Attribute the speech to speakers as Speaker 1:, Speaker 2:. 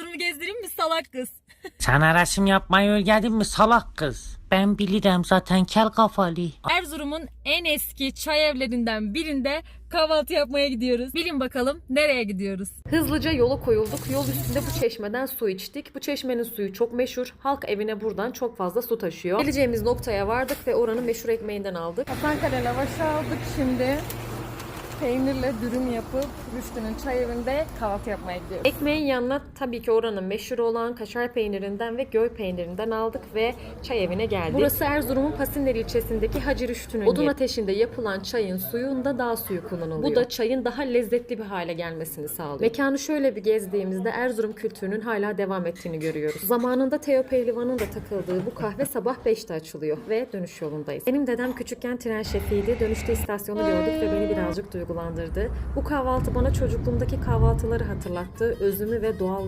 Speaker 1: Erzurum'u gezdireyim mi salak kız?
Speaker 2: Sana resim yapmayı öğrendin mi salak kız? Ben bilirim zaten kel kafalı.
Speaker 1: Erzurum'un en eski çay evlerinden birinde kahvaltı yapmaya gidiyoruz. Bilin bakalım nereye gidiyoruz?
Speaker 3: Hızlıca yola koyulduk. Yol üstünde bu çeşmeden su içtik. Bu çeşmenin suyu çok meşhur. Halk evine buradan çok fazla su taşıyor. Geleceğimiz noktaya vardık ve oranın meşhur ekmeğinden aldık.
Speaker 1: Hasankale lavaşı aldık şimdi. Peynirle dürüm yapıp Rüştü'nün çay evinde kahvaltı yapmaya gidiyoruz.
Speaker 3: Ekmeğin yanına tabii ki oranın meşhur olan kaşar peynirinden ve göy peynirinden aldık ve çay evine geldik. Burası Erzurum'un Pasinler ilçesindeki Hacı Rüştü'nün odun ateşinde yapılan çayın suyunda dağ suyu kullanılıyor. Bu da çayın daha lezzetli bir hale gelmesini sağlıyor. Mekanı şöyle bir gezdiğimizde Erzurum kültürünün hala devam ettiğini görüyoruz. Zamanında Teo Pehlivan'ın da takıldığı bu kahve sabah 5'te açılıyor ve dönüş yolundayız. Benim dedem küçükken tren şefiydi. Dönüşte istasyonu gördük ve beni birazcık duygulandırdı. Bu kahvaltı bana çocukluğumdaki kahvaltıları hatırlattı. Özümü ve doğal